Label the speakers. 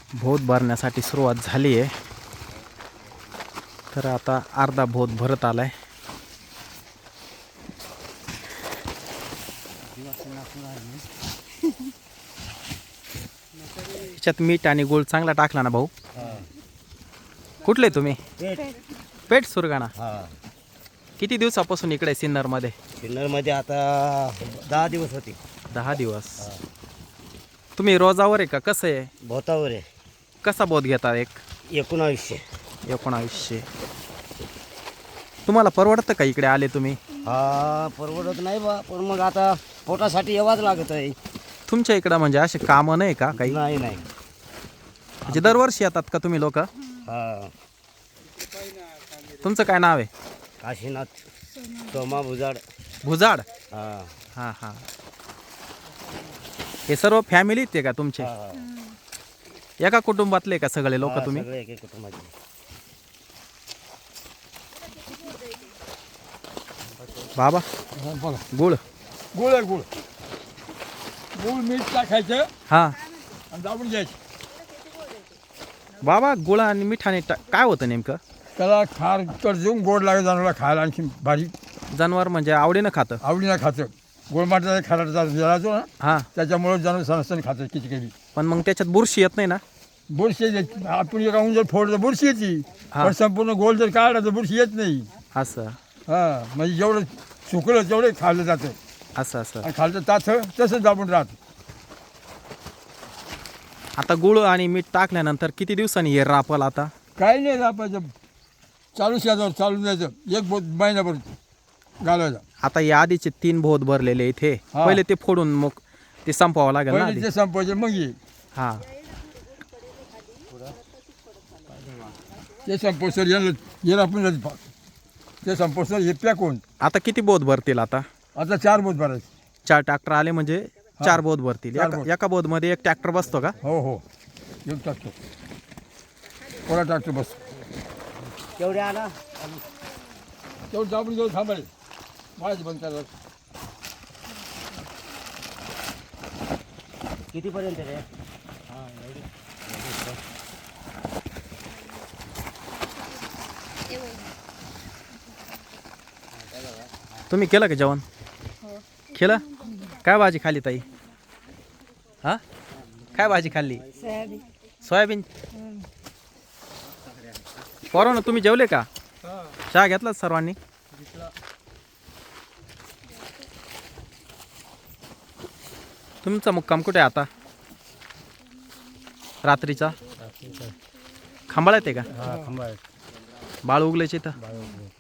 Speaker 1: भोत भरण्यासाठी सुरुवात झाली आहे. तर आता अर्धा भोत भरत आलाय. त्याच्यात मीठ आणि गुळ चांगला टाकला ना भाऊ. कुठले तुम्ही? पेठ सुरगाणा. किती दिवसापासून इकडे सिन्नर मध्ये?
Speaker 2: सिन्नर मध्ये आता 10 दिवस होते.
Speaker 1: 10 दिवस. तुम्ही रोजावर आहे का कसं आहे?
Speaker 2: भोतावर आहे.
Speaker 1: कसा बोध घेता? 1900. तुम्हाला परवडतं का इकडे आले तुम्ही?
Speaker 2: हा, परवडत नाही बा, पण मग आता पोटासाठी यावाच लागत आहे.
Speaker 1: तुमच्या इकडं म्हणजे असे कामं नाही का काही?
Speaker 2: नाही.
Speaker 1: म्हणजे दरवर्षी येतात का तुम्ही लोक?
Speaker 2: हा.
Speaker 1: तुमचं काय नाव आहे?
Speaker 2: काशीनाथ सोमा भुजाड.
Speaker 1: भुजाड.
Speaker 2: हा.
Speaker 1: हां हां. हे सर्व फॅमिलीत आहे का तुमचे?
Speaker 2: हा.
Speaker 1: एका कुटुंबातले का सगळे लोक तुम्ही?
Speaker 2: सगळे एक कुटुंबाचे.
Speaker 1: बाबा गुळ.
Speaker 3: गुळ आहे, गुळ मीठ टाकायचं
Speaker 1: हां
Speaker 3: आणि दाबून घ्यायचं.
Speaker 1: बाबा गुळ आणि मिठाने काय होतं नेमकं?
Speaker 3: त्याला खार देऊन गोड लागत जनावरला खायला, आणखी भारी.
Speaker 1: जनावर म्हणजे आवडीनं खातं?
Speaker 3: आवडीनं खातं. गोळमाटाचा खाराचा जळायचो ना,
Speaker 1: हां.
Speaker 3: त्याच्यामुळे जनावर सणसण खातं किती.
Speaker 1: पण मग त्याच्यात बुरशी येत नाही ना?
Speaker 3: बुरशी आपण एकाहून जर फोडलं बुरशी येते, पण संपूर्ण गोल जर काढला तर बुरशी येत नाही.
Speaker 1: असं
Speaker 3: हां, म्हणजे जेवढं सुकलं तेवढं खाल्लं जातं.
Speaker 1: असं
Speaker 3: आणि खालचं ताथं तसंच दाबून राहतं.
Speaker 1: आता गुळ आणि मीठ टाकल्यानंतर किती दिवसांनी हे रापल? आता
Speaker 3: काही नाही रापायचं, चालू द्यायचं. एक महिनाभर घालायचं.
Speaker 1: आता या आधीचे 3 भोत भरलेले इथे, पहिले ते फोडून मग ते संपवावं लागेल ना?
Speaker 3: पहिले ते संपायचे मग ये.
Speaker 1: हां.
Speaker 3: ते संपोसर याला आपण ते संपोसर हे पॅक होऊन.
Speaker 1: आता किती बोध भरतील? आता
Speaker 3: 4 बोट भरायचे.
Speaker 1: 4 ट्रॅक्टर आले म्हणजे 4 बोध भरतील.
Speaker 3: 4 बोट.
Speaker 1: एका बोध मध्ये 1 ट्रॅक्टर बसतो का?
Speaker 3: हो. एक टाकतो, कोणा टाकतो बस.
Speaker 2: तेवढे आणा.
Speaker 3: तेवढं दाबून घेऊन थांबायचं. माझं बंद करायचं.
Speaker 2: कितीपर्यंत रे?
Speaker 1: तुम्ही केलं का जेवण? केलं? काय भाजी खाल्ली ताई? हां, काय भाजी खाल्ली? सोयाबीन. पोरांनो तुम्ही जेवले का? चहा घेतला सर्वांनी? तुमचा मुक्काम कुठे आहे आता? रात्रीचा खांबाळ्यात आहे का? बाळ उगल्याचे इथं?